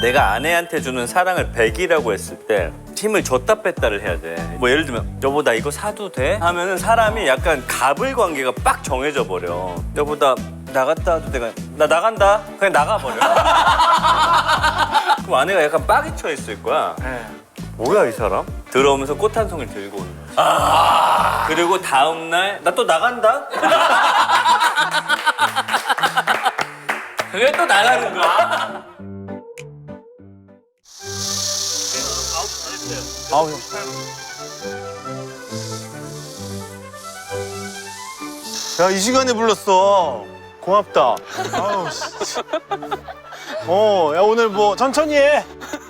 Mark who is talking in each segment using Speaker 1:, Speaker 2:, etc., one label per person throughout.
Speaker 1: 내가 아내한테 주는 사랑을 100이라고 했을 때 힘을 줬다 뺐다를 해야 돼. 뭐 예를 들면 여보 나 이거 사도 돼? 하면은 사람이 약간 갑을 관계가 빡 정해져 버려. 여보 나 나갔다 와도 내가 나 나간다. 그냥 나가버려. 그럼 아내가 약간 빡이 쳐 있을 거야. 뭐야 이 사람? 들어오면서 꽃 한 송이 들고 오는 거야. 그리고 다음 날 나 또 나간다. 그게 또 나가는 거야.
Speaker 2: 아우. 야, 이 시간에 불렀어. 고맙다. 아우, 씨. 야, 오늘 뭐 천천히 해.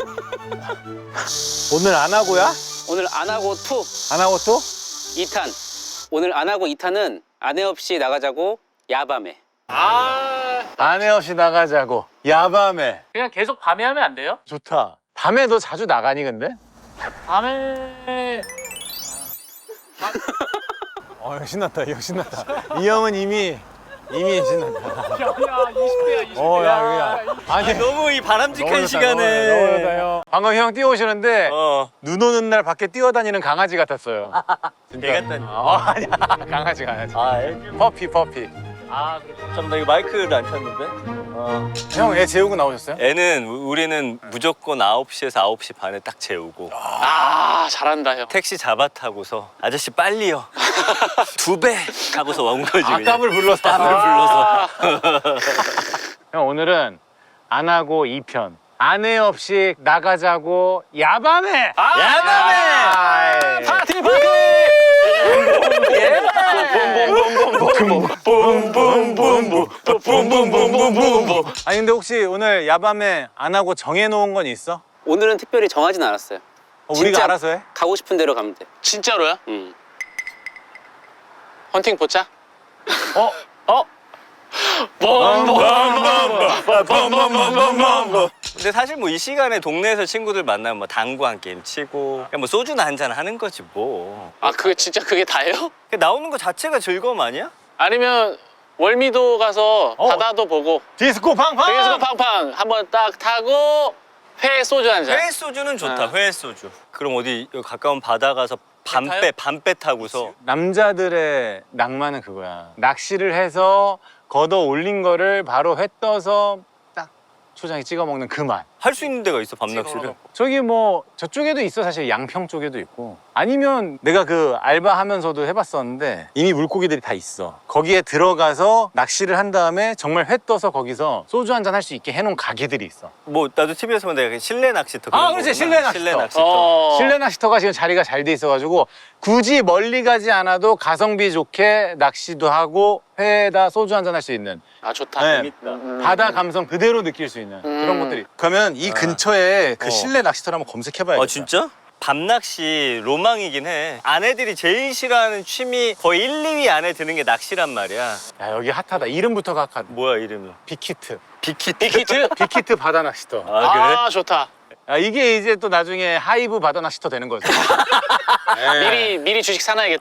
Speaker 2: 오늘 안 하고야?
Speaker 3: 오늘 안 하고 투
Speaker 2: 안 하고 또?
Speaker 3: 2탄. 오늘 안 하고 2탄은 아내 없이 나가자고 야밤에.
Speaker 2: 아내 없이 나가자고. 야밤에.
Speaker 4: 그냥 계속 밤에 하면 안 돼요?
Speaker 2: 좋다. 밤에 너 자주 나가니 근데?
Speaker 4: 밤에
Speaker 2: 신났다. 이 형 신났다. 이 형은 이미 신났다.
Speaker 4: 야 20대야 20대야.
Speaker 2: 야. 아니
Speaker 1: 너무 이 바람직한
Speaker 2: 너무 좋다,
Speaker 1: 시간에.
Speaker 2: 너무 좋다, 형. 방금 형 뛰어오시는데 눈 오는 날 밖에 뛰어다니는 강아지 같았어요. 진짜.
Speaker 1: 개 같다니.
Speaker 2: 아니야. 강아지. 퍼피.
Speaker 4: 아 그렇죠.
Speaker 1: 잠깐만 나 이거 마이크를 안 켰는데?
Speaker 2: 형 애 재우고 나오셨어요?
Speaker 1: 애는 우리는 무조건 9시에서 9시 반에 딱 재우고
Speaker 3: 아 잘한다 형.
Speaker 1: 택시 잡아 타고서 아저씨 빨리요. 2배 하고서 온 거지. 그냥.
Speaker 2: 땀을 불러서.
Speaker 1: 땀을 불러서.
Speaker 2: 형 오늘은 안 하고 2편. 아내 없이 나가자고 야밤에.
Speaker 1: 야밤에.
Speaker 3: 파티!
Speaker 2: 아니 근데 혹시 오늘 야밤에 안 하고 정해놓은 건 있어?
Speaker 3: 오늘은 특별히 정하진 않았어요.
Speaker 2: 우리가
Speaker 3: 진짜
Speaker 2: 알아서 해?
Speaker 3: 가고 싶은 대로 가면 돼.
Speaker 5: 진짜로요?
Speaker 3: 응.
Speaker 5: 헌팅 포차?
Speaker 1: 근데 사실 뭐 이 시간에 동네에서 친구들 만나면 뭐 당구 한 게임 치고 그냥 뭐 소주나 한잔 하는 거지 뭐.
Speaker 5: 아 그게 진짜 그게 다예요?
Speaker 1: 나오는 거 자체가 즐거움 아니야?
Speaker 5: 아니면 월미도 가서 바다도 보고
Speaker 2: 디스코 팡팡!
Speaker 5: 등에서 팡팡 한번 딱 타고 회 소주 한 잔.
Speaker 1: 회 소주는 좋다. 회 소주. 그럼 어디 여기 가까운 바다 가서 밤배 타고서
Speaker 2: 남자들의 낭만은 그거야. 낚시를 해서 걷어 올린 거를 바로 회 떠서 딱 초장에 찍어 먹는 그 맛.
Speaker 1: 할 수 있는 데가 있어 밤낚시를.
Speaker 2: 저기 뭐 저쪽에도 있어. 사실 양평 쪽에도 있고. 아니면 내가 그 알바하면서도 해봤었는데 이미 물고기들이 다 있어. 거기에 들어가서 낚시를 한 다음에 정말 회 떠서 거기서 소주 한 잔 할 수 있게 해놓은 가게들이 있어.
Speaker 1: 뭐 나도 TV에서 본 내가 실내 낚시터.
Speaker 2: 아,
Speaker 1: 그런
Speaker 2: 그렇지.
Speaker 1: 거구나.
Speaker 2: 실내 낚시터.
Speaker 1: 실내 낚시터.
Speaker 2: 실내 낚시터가 지금 자리가 잘 돼 있어가지고 굳이 멀리 가지 않아도 가성비 좋게 낚시도 하고 회에다 소주 한 잔 할 수 있는
Speaker 5: 아 좋다.
Speaker 2: 네. 바다 감성 그대로 느낄 수 있는 그런 것들이. 그러면 이 근처에 그 실내 낚시터를 한번 검색해봐야겠다.
Speaker 1: 아 진짜? 밤낚시 로망이긴 해. 아내들이 제일 싫어하는 취미 거의 1, 2위 안에 드는 게 낚시란 말이야.
Speaker 2: 야, 여기 핫하다. 이름부터가 핫하다.
Speaker 1: 뭐야 이름이?
Speaker 2: 빅히트.
Speaker 5: 빅히트?
Speaker 2: 빅히트 바다 낚시터.
Speaker 1: 아 그래?
Speaker 5: 아 좋다.
Speaker 2: 야, 이게 이제 또 나중에 하이브 바다 낚시터 되는 거죠. 네.
Speaker 5: 미리 주식 사놔야겠다.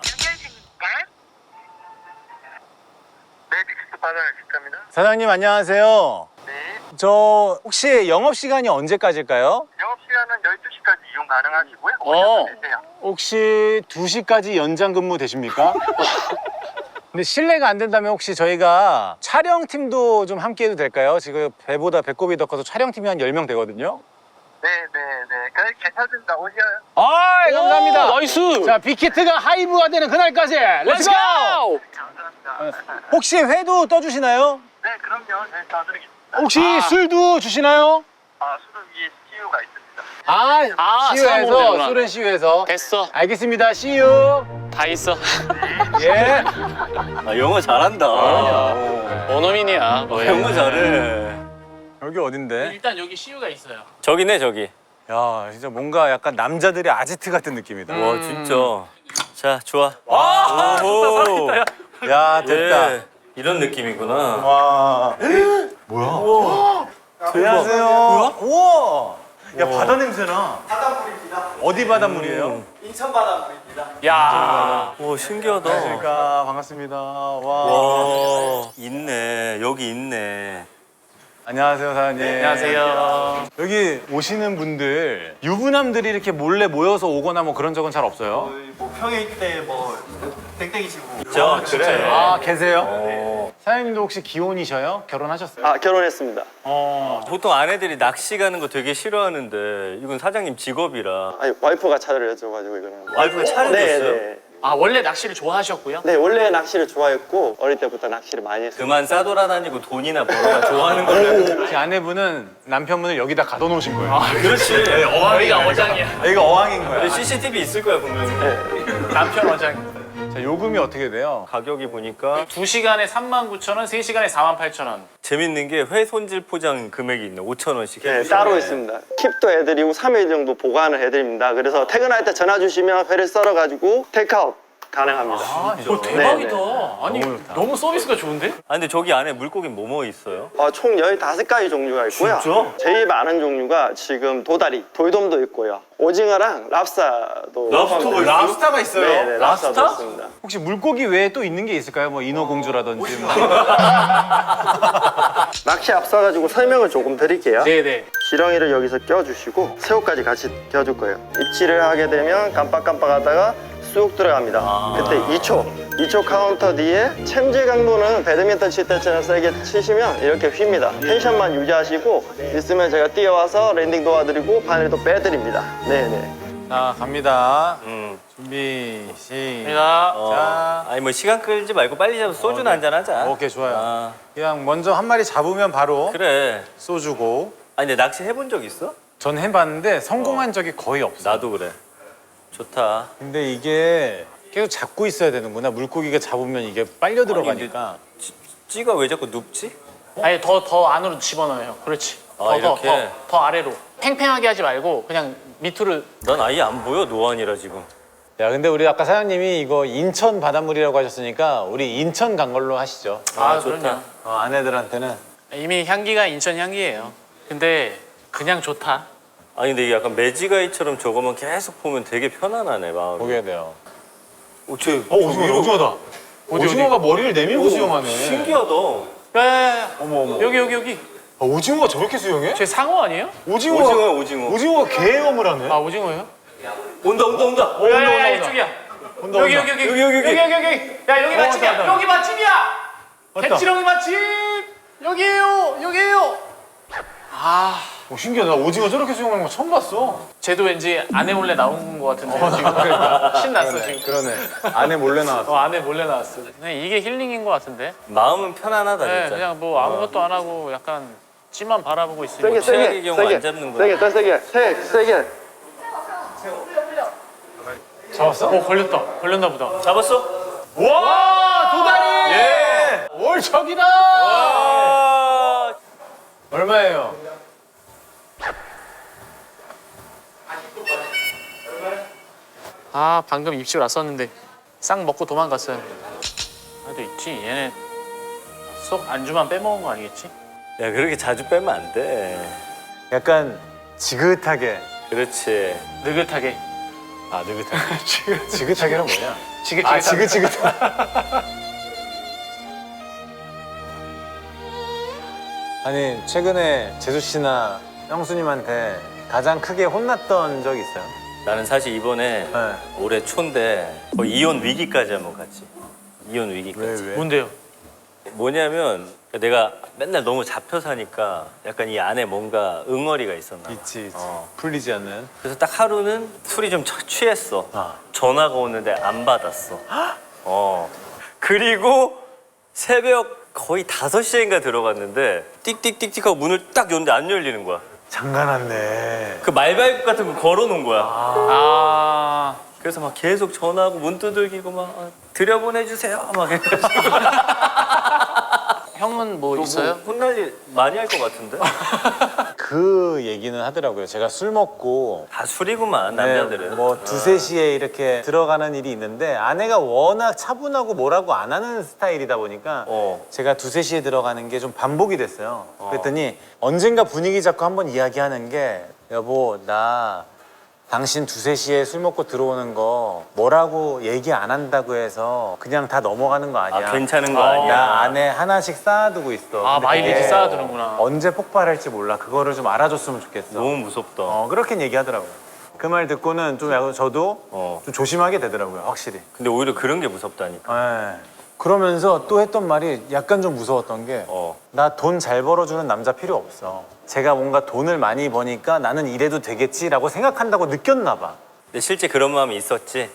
Speaker 6: 네, 빅스트 바다 식당입니다.
Speaker 2: 사장님 안녕하세요.
Speaker 6: 네,
Speaker 2: 저 혹시 영업 시간이 언제까지일까요?
Speaker 6: 영업 시간은 12시까지 이용 가능하시고요.
Speaker 5: 어.
Speaker 6: 되세요.
Speaker 2: 혹시 2시까지 연장 근무 되십니까? 근데 실례가 안 된다면 혹시 저희가 촬영팀도 좀 함께 해도 될까요? 지금 배보다 배꼽이 더 커서 촬영팀이 한 10명 되거든요.
Speaker 6: 네, 네, 네. 그래, 괜찮습니다. 오셔요.
Speaker 2: 아, 감사합니다.
Speaker 5: 나이스.
Speaker 2: 자, 빅히트가 하이브가 되는 그날까지 렛츠고!
Speaker 6: 감사합니다.
Speaker 2: 혹시 회도 떠주시나요?
Speaker 6: 네, 그럼요. 네, 사드리겠습니다.
Speaker 2: 혹시 술도 주시나요?
Speaker 6: 아, 술은 위에 CU가 있습니다.
Speaker 5: 아, 사먹으면
Speaker 2: CU에서
Speaker 5: 되구나.
Speaker 2: 술은 CU에서
Speaker 5: 됐어.
Speaker 2: 알겠습니다. CU.
Speaker 5: 다 있어.
Speaker 2: 예.
Speaker 1: 아 영어 잘한다.
Speaker 5: 원어민이야. 뭐야.
Speaker 1: 영어 잘해.
Speaker 2: 여기 어딘데?
Speaker 4: 일단 여기 CU가 있어요.
Speaker 1: 저기네 저기.
Speaker 2: 야, 진짜 뭔가 약간 남자들의 아지트 같은 느낌이다.
Speaker 1: 와 진짜. 자 좋아.
Speaker 4: 와 좋다 살아있다 야.
Speaker 2: 야, 됐다.
Speaker 1: 예, 이런 느낌이구나.
Speaker 2: 와. 뭐야? 안녕하세요. 우와. 야, 바다 냄새나.
Speaker 6: 바닷물입니다.
Speaker 2: 어디 바닷물이에요?
Speaker 6: 인천 바닷물입니다.
Speaker 4: 야.
Speaker 1: 와 신기하다.
Speaker 2: 안녕하십니까. 반갑습니다. 와.
Speaker 1: 와 있네 여기 있네.
Speaker 2: 안녕하세요, 사장님.
Speaker 4: 안녕하세요.
Speaker 2: 여기 오시는 분들 유부남들이 이렇게 몰래 모여서 오거나 뭐 그런 적은 잘 없어요?
Speaker 6: 뭐 평일 때 뭐 땡땡이시고.
Speaker 1: 그래.
Speaker 2: 아, 계세요? 사장님도 혹시 기혼이셔요? 결혼하셨어요?
Speaker 6: 아 결혼했습니다.
Speaker 1: 보통 아내들이 낚시 가는 거 되게 싫어하는데 이건 사장님 직업이라.
Speaker 6: 아니 와이프가 차를 해줘가지고 이거는.
Speaker 1: 와이프가 차를 줬어요?
Speaker 6: 네.
Speaker 4: 아 원래 낚시를 좋아하셨고요?
Speaker 6: 네 원래 낚시를 좋아했고 어릴 때부터 낚시를 많이 했어요.
Speaker 1: 그만 싸돌아다니고 돈이나 벌어야 좋아하는 걸로.
Speaker 2: 제 아내분은 남편분을 여기다 가둬놓으신 거예요.
Speaker 1: 그렇지.
Speaker 4: 여기가 어장이야.
Speaker 2: 여기가 어항인 거야.
Speaker 1: CCTV 있을 거야 분명히.
Speaker 4: 남편 어장.
Speaker 2: 자, 요금이 어떻게 돼요?
Speaker 1: 가격이 보니까
Speaker 4: 2시간에 39,000원, 3시간에 48,000원.
Speaker 1: 재밌는 게 회 손질 포장 금액이 있네. 5,000원씩.
Speaker 6: 네 따로 있습니다. 킵도 해드리고 3일 정도 보관을 해드립니다. 그래서 퇴근할 때 전화 주시면 회를 썰어가지고 테이크아웃 가능합니다.
Speaker 4: 이거 대박이다.
Speaker 6: 네,
Speaker 4: 아니
Speaker 2: 너무 좋다.
Speaker 4: 너무 서비스가 좋은데?
Speaker 1: 아 근데 저기 안에 물고기 뭐 있어요?
Speaker 6: 총 15가지 종류가 있고요.
Speaker 1: 진짜?
Speaker 6: 제일 많은 종류가 지금 도다리, 돌돔도 있고요. 오징어랑 랍스타도
Speaker 2: 랍스타가 있어요?
Speaker 6: 네, 랍스타도
Speaker 4: 랍스타?
Speaker 6: 있습니다.
Speaker 2: 혹시 물고기 외에 또 있는 게 있을까요? 뭐 인어공주라든지 뭐.
Speaker 6: 낚시 앞서가지고 설명을 조금 드릴게요.
Speaker 4: 네네.
Speaker 6: 지렁이를 여기서 껴주시고 새우까지 같이 껴줄 거예요. 입질을 하게 되면 깜빡깜빡하다가 쑥 들어갑니다. 그때 2초 카운터 뒤에 챔질 강도는 배드민턴 칠 때처럼 세게 치시면 이렇게 휘입니다. 텐션만 유지하시고 있으면 제가 뛰어와서 랜딩 도와드리고 바늘도 빼드립니다. 네네.
Speaker 2: 자, 갑니다.
Speaker 1: 음.
Speaker 2: 준비, 시작.
Speaker 4: 갑니다.
Speaker 1: 아니 뭐 시간 끌지 말고 빨리 잡아서 소주나 한잔 하자.
Speaker 2: 오케이, 좋아요.
Speaker 1: 아,
Speaker 2: 그냥 먼저 한 마리 잡으면 바로
Speaker 1: 그래.
Speaker 2: 쏘주고.
Speaker 1: 아니 근데 낚시 해본 적 있어?
Speaker 2: 전 해봤는데 성공한 적이 거의 없어.
Speaker 1: 나도 그래. 좋다.
Speaker 2: 근데 이게 계속 잡고 있어야 되는구나. 물고기가 잡으면 이게 빨려 들어가니까.
Speaker 1: 찌가 왜 자꾸 눕지?
Speaker 4: 아니 더 안으로 집어넣어요. 그렇지.
Speaker 1: 아, 이렇게?
Speaker 4: 더 아래로. 팽팽하게 하지 말고 그냥 밑으로.
Speaker 1: 난 아예 안 보여 노안이라 지금.
Speaker 2: 야, 근데 우리 아까 사장님이 이거 인천 바닷물이라고 하셨으니까 우리 인천 간 걸로 하시죠.
Speaker 4: 아,
Speaker 1: 좋다.
Speaker 4: 그럼요.
Speaker 2: 아내들한테는.
Speaker 4: 이미 향기가 인천 향기예요. 근데 그냥 좋다.
Speaker 1: 아니 근데 이게 약간 매지가이처럼 저거만 계속 보면 되게 편안하네 마음이.
Speaker 2: 보게 돼요.
Speaker 1: 오징어다.
Speaker 2: 오징어가 머리를 내밀고 수영하네.
Speaker 1: 신기하다.
Speaker 4: 야야야.
Speaker 2: 어머.
Speaker 4: 여기.
Speaker 2: 오징어가 저렇게 수영해?
Speaker 4: 제 상어 아니에요?
Speaker 2: 오징어가 개엄을 하네.
Speaker 4: 아 오징어예요?
Speaker 1: 온다.
Speaker 4: 야야야 이쪽이야. 여기. 야 여기 맛집이야.
Speaker 2: 왔다.
Speaker 4: 여기 맛집이야.
Speaker 2: 왔다.
Speaker 4: 갯지렁이 맛집. 여기에요.
Speaker 2: 신기하다. 오징어 저렇게 수영하는 거 처음 봤어.
Speaker 4: 쟤도 왠지 아내 몰래 나온 것 같은데 지금 신났어 지금.
Speaker 2: 그러네. 아내 몰래 나왔어.
Speaker 4: 아내 몰래 나왔어. 그냥 이게 힐링인 것 같은데.
Speaker 1: 마음은 편안하다
Speaker 4: 네,
Speaker 1: 진짜.
Speaker 4: 그냥 뭐 아무것도 안 하고 약간 찌만 바라보고 있으니까.
Speaker 1: 최악의 경우 안 잡는구나.
Speaker 6: 세게.
Speaker 2: 잡았어?
Speaker 4: 걸렸나 보다.
Speaker 1: 잡았어?
Speaker 2: 와, 도다리!
Speaker 1: 예.
Speaker 2: 월척이다!
Speaker 1: 아,
Speaker 2: 얼마예요?
Speaker 4: 아 방금 입질 왔었는데 싹 먹고 도망갔어요. 그래도 있지. 얘네 쏙 안주만 빼먹은 거 아니겠지?
Speaker 1: 야 그렇게 자주 빼면 안 돼.
Speaker 2: 약간 지긋하게.
Speaker 1: 그렇지.
Speaker 4: 느긋하게.
Speaker 2: 아, 느긋하게. 지긋하게는 뭐냐?
Speaker 4: 지긋지긋.
Speaker 2: 지긋지긋. 아니, 최근에 재수 씨나 형수님한테 가장 크게 혼났던 적 있어요?
Speaker 1: 나는 사실 이번에
Speaker 2: 네.
Speaker 1: 올해 초인데 거의 이혼 위기까지 한번 갔지. 이혼 위기까지.
Speaker 2: 왜?
Speaker 4: 뭔데요?
Speaker 1: 뭐냐면 내가 맨날 너무 잡혀 사니까 약간 이 안에 뭔가 응어리가 있었나 봐.
Speaker 2: 있지.
Speaker 1: 어.
Speaker 2: 풀리지 않는.
Speaker 1: 그래서 딱 하루는 술이 좀 취했어.
Speaker 2: 아.
Speaker 1: 전화가 오는데 안 받았어. 그리고 새벽 거의 5시인가 들어갔는데 띡띡띡띡 하고 문을 딱 열는데 안 열리는 거야.
Speaker 2: 장난았네.
Speaker 1: 그 말발굽 같은 거 걸어놓은 거야.
Speaker 4: 아
Speaker 1: 그래서 막 계속 전화하고 문 두들기고 막 들여보내주세요 막 해가지고.
Speaker 4: 형은 뭐 있어요?
Speaker 1: 혼날 일 많이 할 것 같은데?
Speaker 2: 그 얘기는 하더라고요. 제가 술 먹고
Speaker 1: 다 술이구만 남자들은.
Speaker 2: 네, 뭐 2, 3시에 이렇게 들어가는 일이 있는데 아내가 워낙 차분하고 뭐라고 안 하는 스타일이다 보니까 제가 2, 3시에 들어가는 게 좀 반복이 됐어요. 그랬더니 언젠가 분위기 잡고 한번 이야기하는 게 여보 나 당신 2, 3시에 술 먹고 들어오는 거 뭐라고 얘기 안 한다고 해서 그냥 다 넘어가는 거 아니야.
Speaker 1: 아, 괜찮은 거 아니야.
Speaker 2: 나 안에 하나씩 쌓아두고 있어.
Speaker 4: 아,
Speaker 2: 근데
Speaker 4: 마일리지
Speaker 2: 그게
Speaker 4: 쌓아두는구나.
Speaker 2: 언제 폭발할지 몰라. 그거를 좀 알아줬으면 좋겠어.
Speaker 1: 너무 무섭다.
Speaker 2: 그렇게 얘기하더라고요. 그 말 듣고는 좀 약간 저도
Speaker 1: 어.
Speaker 2: 좀 조심하게 되더라고요, 확실히.
Speaker 1: 근데 오히려 그런 게 무섭다니까.
Speaker 2: 예. 그러면서 또 했던 말이 약간 좀 무서웠던 게 나 돈 잘 벌어주는 남자 필요 없어. 제가 뭔가 돈을 많이 버니까 나는 이래도 되겠지라고 생각한다고 느꼈나 봐.
Speaker 1: 근데 실제 그런 마음이 있었지.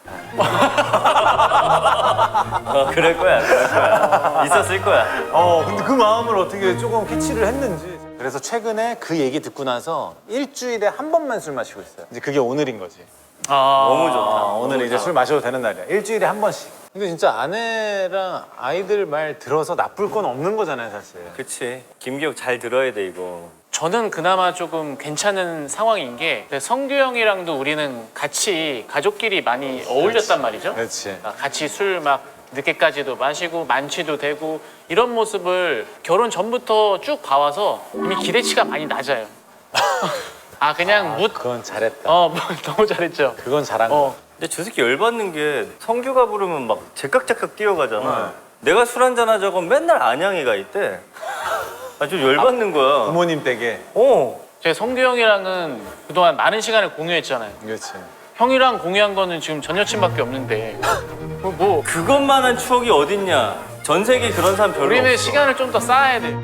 Speaker 1: 그럴 거야, 그럴 거야. 있었을 거야.
Speaker 2: 근데 그 마음을 어떻게 조금 캐치를 했는지. 그래서 최근에 그 얘기 듣고 나서 일주일에 한 번만 술 마시고 있어요. 이제 그게 오늘인 거지.
Speaker 1: 너무 좋다.
Speaker 2: 오늘 이제 술 마셔도 되는 날이야. 일주일에 한 번씩. 근데 진짜 아내랑 아이들 말 들어서 나쁠 건 없는 거잖아요, 사실.
Speaker 1: 그치. 김기혁 잘 들어야 돼, 이거.
Speaker 4: 저는 그나마 조금 괜찮은 상황인 게 성규 형이랑도 우리는 같이 가족끼리 많이 어울렸단 말이죠.
Speaker 2: 그렇지.
Speaker 4: 같이 술 막 늦게까지도 마시고 만취도 되고 이런 모습을 결혼 전부터 쭉 봐와서 이미 기대치가 많이 낮아요. 아 그냥
Speaker 2: 그건 잘했다.
Speaker 4: 너무 잘했죠.
Speaker 2: 그건 잘한 거.
Speaker 1: 근데 저 새끼 열받는 게 성규가 부르면 막 제깍제깍 뛰어가잖아. 내가 술 한잔 하자고 맨날 안양이가 있대. 아, 좀 열받는 거야.
Speaker 2: 부모님 댁에.
Speaker 4: 제가 성규 형이랑은 그동안 많은 시간을 공유했잖아요.
Speaker 2: 그렇지.
Speaker 4: 형이랑 공유한 거는 지금 전 여친밖에 없는데 뭐
Speaker 1: 그것만한 추억이 어딨냐. 전 세계에 그런 사람 별로
Speaker 4: 우리는
Speaker 1: 없어.
Speaker 4: 시간을 좀 더 쌓아야 돼.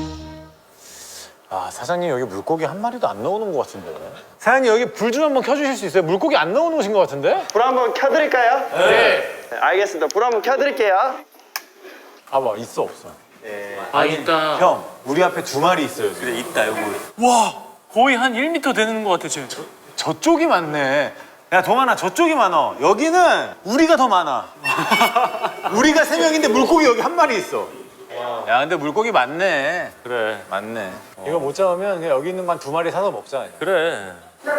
Speaker 2: 아, 사장님 여기 물고기 한 마리도 안 넣어놓은 것 같은데. 사장님 여기 불 좀 한번 켜주실 수 있어요? 물고기 안 넣어놓으신 것 같은데?
Speaker 6: 불 한번 켜드릴까요?
Speaker 4: 네.
Speaker 6: 네, 알겠습니다. 불 한번 켜드릴게요.
Speaker 2: 봐봐, 있어 없어?
Speaker 4: 아 있다.
Speaker 2: 형, 우리 앞에 2마리 있어요 지금.
Speaker 1: 그래, 있다, 여기.
Speaker 4: 와 거의 한 1m 되는 것 같아 지금.
Speaker 2: 저쪽이 많네. 야 동환아, 저쪽이 많아. 여기는 우리가 더 많아. 우리가 3명인데 물고기 여기 한 마리 있어. 야 근데 물고기 많네.
Speaker 1: 그래.
Speaker 2: 맞네. 이거 못 잡으면 그냥 여기 있는 거 한 2마리 사서 먹자.
Speaker 1: 그래.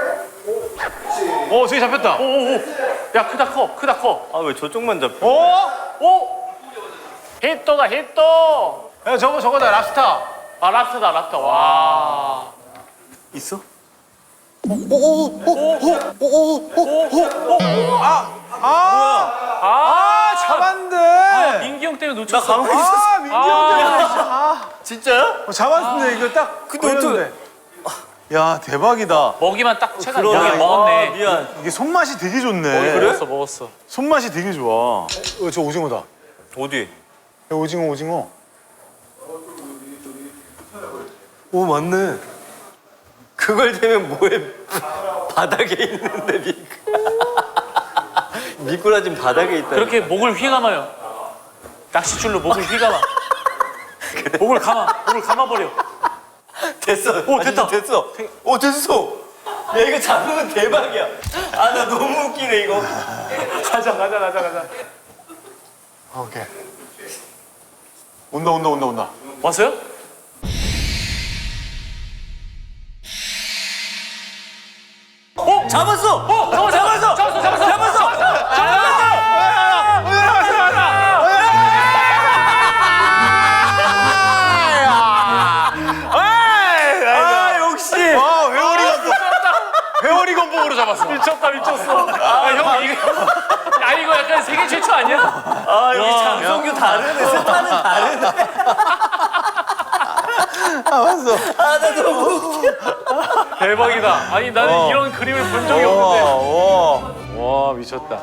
Speaker 2: 저기 잡혔다.
Speaker 4: 야 크다 커.
Speaker 1: 아, 왜 저쪽만 잡혀?
Speaker 4: 오! 히또다 히또.
Speaker 2: 야 저거다, 랍스타.
Speaker 4: 아 랍스터다. 와.
Speaker 1: 있어?
Speaker 2: 잡았는데.
Speaker 4: 민기 형 때문에
Speaker 1: 나
Speaker 4: 놓쳤어.
Speaker 1: 가만히 있었어.
Speaker 2: 민기 형 때문에.
Speaker 1: 진짜야?
Speaker 2: 잡았는데 이거 딱
Speaker 1: 근데
Speaker 2: 걸렸는데. 야 대박이다.
Speaker 4: 먹이만 딱 채가
Speaker 1: 그러네.
Speaker 4: 여기 먹었네.
Speaker 1: 아, 미안.
Speaker 2: 이게 손맛이 되게 좋네.
Speaker 4: 먹었어.
Speaker 2: 손맛이 되게 좋아. 저 오징어다.
Speaker 1: 어디?
Speaker 2: 야, 오징어.
Speaker 1: 오, 맞네. 그걸 대면 뭐해? 바닥에 있는데 미꾸라지는 바닥에 있다.
Speaker 4: 그렇게 목을 휘감아요. 낚싯줄로 목을 휘감아. 목을 감아버려.
Speaker 1: 됐어.
Speaker 4: 오, 됐다.
Speaker 1: 됐어. 오, 됐어. 야, 이거 잡으면 대박이야. 아, 나 너무 웃기네, 이거.
Speaker 4: 가자.
Speaker 2: 오케이. 온다.
Speaker 4: 왔어요?
Speaker 1: 잡았어!
Speaker 4: 잡았어.
Speaker 1: 아, 역시!
Speaker 2: 회오리 건봉으로 잡았어.
Speaker 4: 미쳤어. 형 이거 약간 세계 최초 아니야?
Speaker 1: 아, 여기 장성규 다르네. 스타는 다르네.
Speaker 2: 맞어.
Speaker 1: 아, 나 너무 웃겨.
Speaker 4: 대박이다. 아니 나는 이런 그림을 본 적이 없는데.
Speaker 2: 와 미쳤다.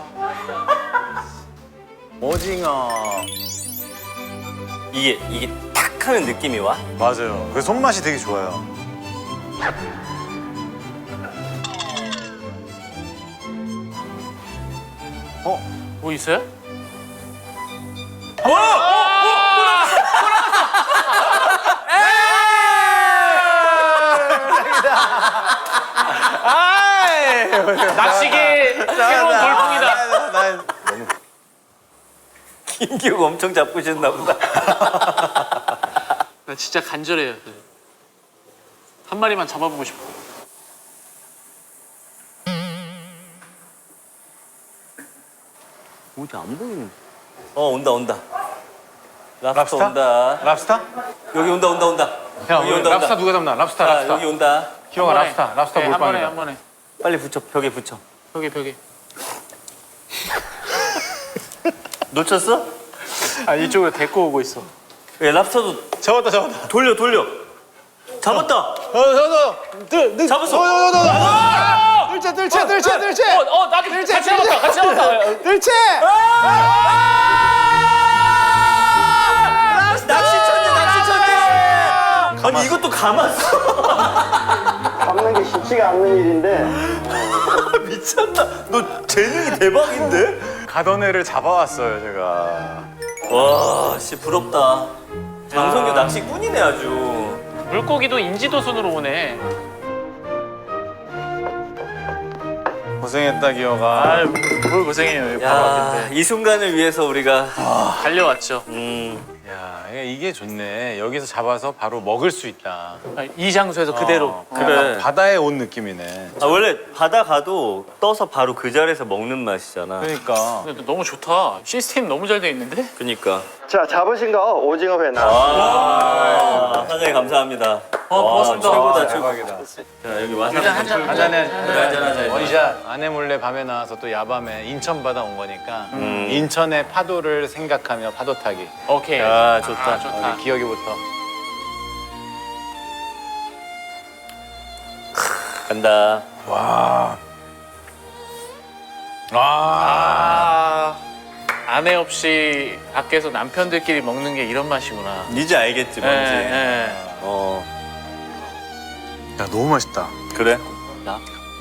Speaker 2: 오징어.
Speaker 1: 이게 탁 하는 느낌이 와?
Speaker 2: 맞아요. 그 손맛이 되게 좋아요.
Speaker 4: 뭐 있어요? 낚시계 새로운 돌풍이다.
Speaker 1: 김기욱 엄청 잡고 싶나 보다.
Speaker 4: 나 진짜 간절해요. 한 마리만 잡아보고 싶어.
Speaker 1: 어디 안 보이는? 온다. 랍스터
Speaker 2: 랍스타?
Speaker 1: 온다.
Speaker 2: 랍스타?
Speaker 1: 여기 온다.
Speaker 2: 야,
Speaker 1: 여기 온다.
Speaker 2: 랍스타 누가 잡나? 랍스타.
Speaker 1: 여기 온다.
Speaker 2: 기영아 랍스타
Speaker 4: 네,
Speaker 2: 몰빵이다.
Speaker 4: 한 번에.
Speaker 1: 빨리 붙여. 벽에 붙여.
Speaker 4: 벽에.
Speaker 1: 놓쳤어?
Speaker 4: 아 이쪽으로 데리고 오고 있어.
Speaker 1: 예, 랍스터도
Speaker 2: 잡았다.
Speaker 1: 돌려. 잡았다. 잡았어.
Speaker 2: 뜰채.
Speaker 4: 나도 같이 잡았다.
Speaker 2: 뜰채.
Speaker 1: 낚시천재. 아니 이것도 감았어.
Speaker 6: 잡는 게 쉽지가 않는 일인데
Speaker 1: 미쳤다. 너 재능이 대박인데?
Speaker 2: 가던 애를 잡아왔어요 제가.
Speaker 1: 와, 씨 부럽다. 장성규 낚시꾼이네 아주.
Speaker 4: 물고기도 인지도 순으로 오네.
Speaker 2: 고생했다 기어가.
Speaker 4: 아유 뭘 고생해요. 바로
Speaker 1: 야,
Speaker 4: 왔는데.
Speaker 1: 이 순간을 위해서 우리가
Speaker 4: 달려왔죠.
Speaker 2: 야 이게 좋네. 여기서 잡아서 바로 먹을 수 있다.
Speaker 4: 이 장소에서 그대로.
Speaker 1: 그래.
Speaker 2: 약간 바다에 온 느낌이네.
Speaker 1: 원래 바다 가도 떠서 바로 그 자리에서 먹는 맛이잖아.
Speaker 2: 그러니까.
Speaker 4: 근데 너무 좋다. 시스템 너무 잘 돼 있는데?
Speaker 1: 그니까.
Speaker 6: 자 잡으신 거 오징어 회 나.
Speaker 1: 와, 사장님 감사합니다.
Speaker 4: 고맙습니다.
Speaker 1: 최고다.
Speaker 2: 대박이다.
Speaker 1: 자, 여기 와사비
Speaker 4: 한잔
Speaker 1: 한잔하자.
Speaker 2: 원샷. 아내 몰래 밤에 나와서 또 야밤에 인천 바다 온 거니까 인천의 파도를 생각하며 파도 타기.
Speaker 4: 오케이.
Speaker 1: 야, 좋다.
Speaker 4: 좋다.
Speaker 2: 우리 기억이부터.
Speaker 1: 간다.
Speaker 2: 와.
Speaker 4: 아내 없이 밖에서 남편들끼리 먹는 게 이런 맛이구나.
Speaker 1: 이제 알겠지 뭔지.
Speaker 4: 예.
Speaker 1: 어,
Speaker 2: 야 너무 맛있다.
Speaker 1: 그래? 나?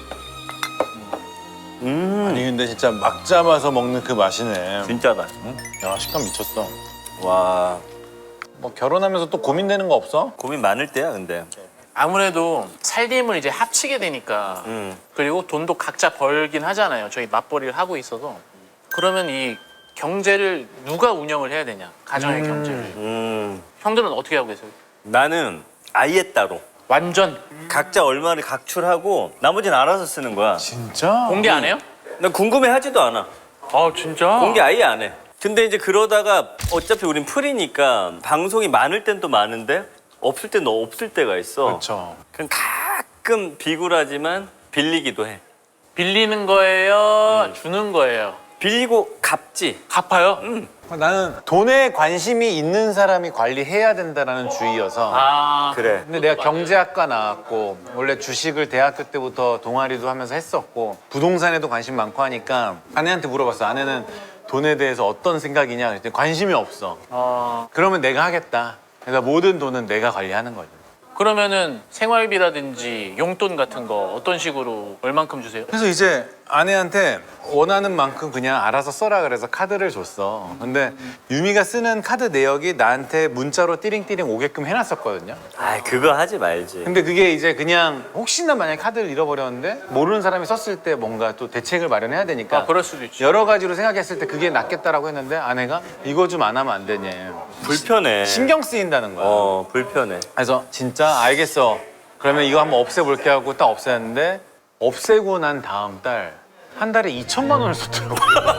Speaker 2: 아니 근데 진짜 막 잡아서 먹는 그 맛이네.
Speaker 1: 진짜다.
Speaker 2: 야 식감 미쳤어.
Speaker 1: 와,
Speaker 2: 뭐 결혼하면서 또 고민되는 거 없어?
Speaker 1: 고민 많을 때야 근데.
Speaker 4: 아무래도 살림을 이제 합치게 되니까 그리고 돈도 각자 벌긴 하잖아요. 저희 맞벌이를 하고 있어서 그러면 이 경제를 누가 운영을 해야 되냐? 가정의 경제를. 형들은 어떻게 하고 계세요?
Speaker 1: 나는 아예 따로.
Speaker 4: 완전
Speaker 1: 각자 얼마를 각출하고 나머지는 알아서 쓰는 거야.
Speaker 2: 진짜?
Speaker 4: 공개 안 해요?
Speaker 1: 난 궁금해하지도 않아.
Speaker 4: 아 진짜?
Speaker 1: 공개 아예 안 해. 근데 이제 그러다가 어차피 우린 풀이니까 방송이 많을 땐 또 많은데 없을 땐 없을 때가 있어.
Speaker 2: 그렇죠.
Speaker 1: 그럼 가끔 비굴하지만 빌리기도 해.
Speaker 4: 빌리는 거예요? 주는 거예요?
Speaker 1: 빌리고 갚지.
Speaker 4: 갚아요?
Speaker 2: 나는 돈에 관심이 있는 사람이 관리해야 된다라는 주의여서.
Speaker 4: 아
Speaker 1: 그래.
Speaker 2: 근데 내가 경제학과 나왔고 원래 주식을 대학교 때부터 동아리도 하면서 했었고 부동산에도 관심 많고 하니까 아내한테 물어봤어. 아내는 돈에 대해서 어떤 생각이냐 그랬더니 관심이 없어. 그러면 내가 하겠다. 그래서 모든 돈은 내가 관리하는 거죠.
Speaker 4: 그러면은 생활비라든지 용돈 같은 거 어떤 식으로 얼만큼 주세요?
Speaker 2: 그래서 이제 아내한테 원하는 만큼 그냥 알아서 써라 그래서 카드를 줬어. 근데 유미가 쓰는 카드 내역이 나한테 문자로 띠링띠링 오게끔 해놨었거든요.
Speaker 1: 아, 그거 하지 말지.
Speaker 2: 근데 그게 이제 그냥 혹시나 만약에 카드를 잃어버렸는데 모르는 사람이 썼을 때 뭔가 또 대책을 마련해야 되니까
Speaker 4: 아 그럴 수도 있지.
Speaker 2: 여러 가지로 생각했을 때 그게 낫겠다라고 했는데 아내가 이거 좀 안 하면 안 되냐.
Speaker 1: 불편해.
Speaker 2: 신경 쓰인다는 거야.
Speaker 1: 불편해.
Speaker 2: 그래서 진짜 알겠어. 그러면 이거 한번 없애볼게 하고 딱 없앴는데 없애고 난 다음 달 한 달에 2천만 원을 썼더라고.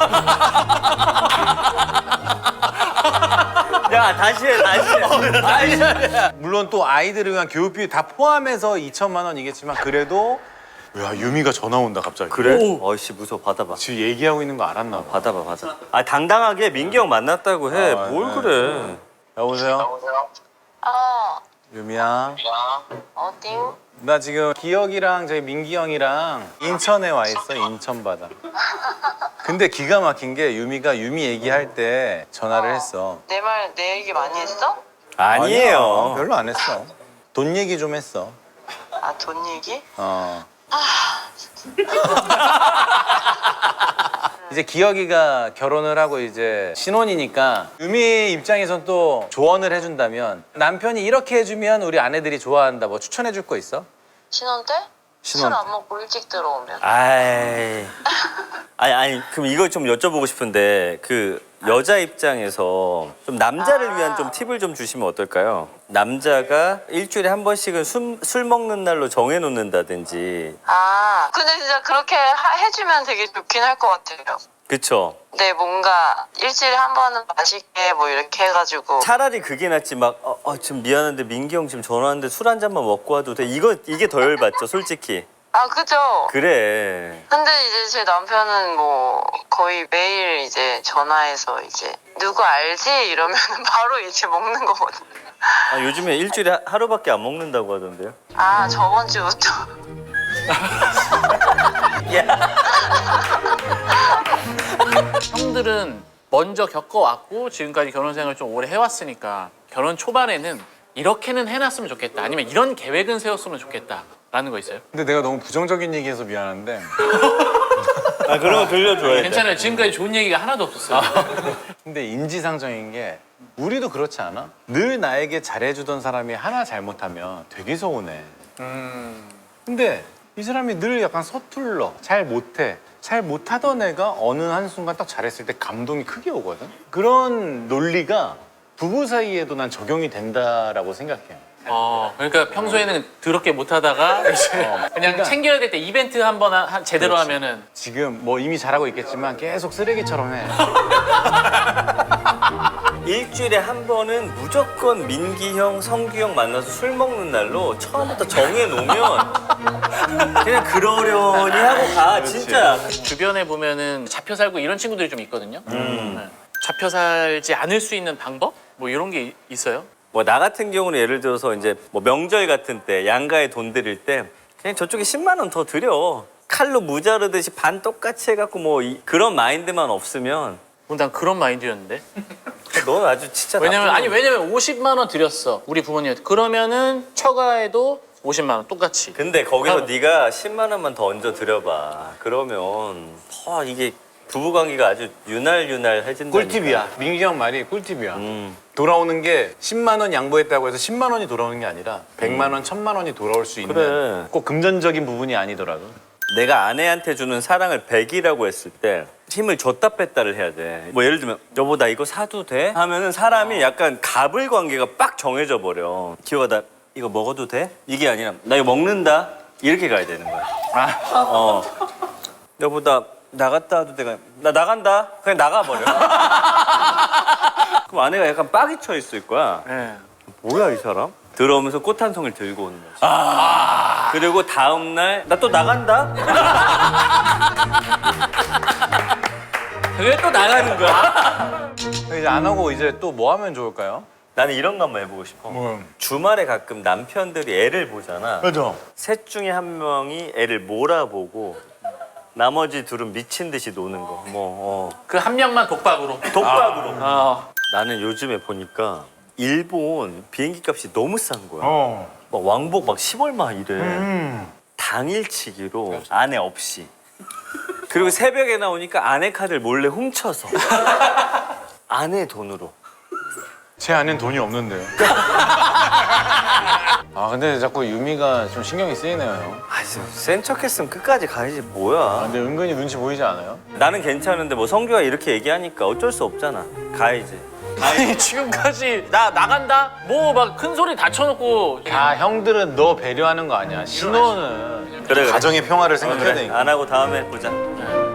Speaker 1: 야, 다시 해.
Speaker 2: 물론 또 아이들을 위한 교육비 다 포함해서 2천만 원이겠지만 그래도 야 유미가 전화 온다 갑자기.
Speaker 1: 그래? 어이씨, 무서워. 받아봐.
Speaker 2: 지금 얘기하고 있는 거 알았나 봐.
Speaker 1: 받아. 아, 당당하게 민기 형 만났다고 해. 뭘
Speaker 2: 네.
Speaker 1: 그래.
Speaker 2: 여보세요? 유미야.
Speaker 7: 어디?
Speaker 2: 나 지금 기혁이랑 저희 민기 형이랑 인천에 와 있어. 인천 바다. 근데 기가 막힌 게 유미가 유미 얘기할 때 전화를 했어.
Speaker 7: 내 얘기 많이 했어?
Speaker 1: 아니에요.
Speaker 2: 아니야, 별로 안 했어. 돈 얘기 좀 했어.
Speaker 7: 아, 돈 얘기?
Speaker 2: 이제 기혁이가 결혼을 하고 이제 신혼이니까 유미 입장에선 또 조언을 해준다면 남편이 이렇게 해주면 우리 아내들이 좋아한다. 뭐 추천해줄 거 있어?
Speaker 7: 신혼 때?
Speaker 2: 신혼
Speaker 7: 술 안 먹고 일찍 들어오면.
Speaker 1: 아니, 그럼 이걸 좀 여쭤보고 싶은데 그 여자 입장에서 좀 남자를 위한 좀 팁을 좀 주시면 어떨까요? 남자가 일주일에 한 번씩은 술 먹는 날로 정해놓는다든지.
Speaker 7: 아, 근데 진짜 그렇게 해주면 되게 좋긴 할 것 같아요.
Speaker 1: 그쵸?
Speaker 7: 네, 뭔가 일주일에 한 번은 맛있게 뭐 이렇게 해가지고.
Speaker 1: 차라리 그게 낫지 막 지금 미안한데 민기 형 지금 전화 왔는데 술 한 잔만 먹고 와도 돼. 이게 더 열받죠 솔직히.
Speaker 7: 아, 그죠?
Speaker 1: 그래.
Speaker 7: 근데 이제 제 남편은 뭐 거의 매일 이제 전화해서 이제 누구 알지? 이러면 바로 이제 먹는 거거든요.
Speaker 1: 아, 요즘에 일주일에 하루밖에 안 먹는다고 하던데요?
Speaker 7: 아, 저번 주부터.
Speaker 4: 형들은 먼저 겪어왔고 지금까지 결혼 생활을 좀 오래 해왔으니까 결혼 초반에는 이렇게는 해놨으면 좋겠다 아니면 이런 계획은 세웠으면 좋겠다 라는 거 있어요?
Speaker 2: 근데 내가 너무 부정적인 얘기해서 미안한데
Speaker 1: 아, 그런 거 들려줘야 돼.
Speaker 4: 괜찮아요. 지금까지 좋은 얘기가 하나도 없었어요.
Speaker 2: 근데 인지상정인 게 우리도 그렇지 않아? 늘 나에게 잘해주던 사람이 하나 잘못하면 되게 서운해. 근데 이 사람이 늘 약간 서툴러, 잘 못해. 잘 못하던 애가 어느 한순간 딱 잘했을 때 감동이 크게 오거든? 그런 논리가 부부 사이에도 난 적용이 된다라고 생각해.
Speaker 4: 그러니까 평소에는 더럽게 못하다가 이제 그냥
Speaker 2: 그러니까
Speaker 4: 챙겨야 될 때 이벤트 한번 제대로
Speaker 2: 그렇지.
Speaker 4: 하면은
Speaker 2: 지금 뭐 이미 잘하고 있겠지만 계속 쓰레기처럼 해.
Speaker 1: 일주일에 한 번은 무조건 민기 형, 성규 형 만나서 술 먹는 날로 처음부터 정해놓으면 그냥 그러려니 하고 가. 진짜.
Speaker 4: 주변에 보면은 잡혀 살고 이런 친구들이 좀 있거든요. 네. 잡혀 살지 않을 수 있는 방법? 뭐 이런 게 있어요?
Speaker 1: 뭐 나 같은 경우는 예를 들어서 이제 뭐 명절 같은 때 양가에 돈 드릴 때 그냥 저쪽에 10만 원 더 드려. 칼로 무자르듯이 반 똑같이 해갖고 뭐 그런 마인드만 없으면
Speaker 4: 난 그런 마인드였는데.
Speaker 1: 넌 아주 진짜
Speaker 4: 왜냐면
Speaker 1: 나쁜
Speaker 4: 왜냐면 50만 원 드렸어 우리 부모님한테. 그러면은 처가에도 50만 원 똑같이.
Speaker 1: 근데 거기서
Speaker 4: 하고.
Speaker 1: 네가 10만 원만 더 얹어 드려봐. 그러면 더 이게 부부관계가 아주 유날유날해진다.
Speaker 2: 꿀팁이야. 민기 형 말이 꿀팁이야. 돌아오는 게 10만 원 양보했다고 해서 10만 원이 돌아오는 게 아니라 100만 원, 1000만 원이 돌아올 수 있는
Speaker 1: 그래.
Speaker 2: 꼭 금전적인 부분이 아니더라도.
Speaker 1: 내가 아내한테 주는 사랑을 100이라고 했을 때 힘을 줬다 뺐다를 해야 돼. 뭐 예를 들면 여보 나 이거 사도 돼? 하면은 사람이 약간 갑을 관계가 빡 정해져 버려. 기호가 나 이거 먹어도 돼? 이게 아니라 나 이거 먹는다? 이렇게 가야 되는 거야. 여보 나 나갔다 와도 돼? 나 나간다? 그냥 나가버려. 그럼 아내가 약간 빡이 쳐 있을 거야.
Speaker 4: 네.
Speaker 1: 뭐야 이 사람? 들어오면서 꽃 한 송이를 들고 오는 거지. 그리고 다음 날 나 또 나간다. 그게 또 나가는 거야.
Speaker 2: 이제 안 하고 이제 또 뭐 하면 좋을까요?
Speaker 1: 나는 이런 거 한번 해보고 싶어. 주말에 가끔 남편들이 애를 보잖아.
Speaker 2: 그죠.
Speaker 1: 셋 중에 한 명이 애를 몰아보고 나머지 둘은 미친 듯이 노는 거.
Speaker 4: 그 한 명만 독박으로.
Speaker 1: 독박으로.
Speaker 4: 어.
Speaker 1: 나는 요즘에 보니까 일본 비행기 값이 너무 싼 거야.
Speaker 2: 어.
Speaker 1: 막 왕복 막 10얼마 이래. 당일치기로 아내 없이. 그리고 새벽에 나오니까 아내 카드를 몰래 훔쳐서 아내 돈으로.
Speaker 2: 제 안엔 돈이 없는데요. 아 근데 자꾸 유미가 좀 신경이 쓰이네요, 형.
Speaker 1: 아, 센 척했으면 끝까지 가야지
Speaker 2: 아,
Speaker 1: 뭐야.
Speaker 2: 근데 은근히 눈치 보이지 않아요?
Speaker 1: 나는 괜찮은데 뭐 성규가 이렇게 얘기하니까 어쩔 수 없잖아. 가야지.
Speaker 4: 아니 지금까지 나 나간다? 뭐 막 큰 소리 다 쳐놓고.
Speaker 2: 아 형들은 너 배려하는 거 아니야. 신호는
Speaker 1: 그래, 그래.
Speaker 2: 가정의 평화를 생각해야
Speaker 1: 그래,
Speaker 2: 되니까.
Speaker 1: 안 하고 다음에 보자.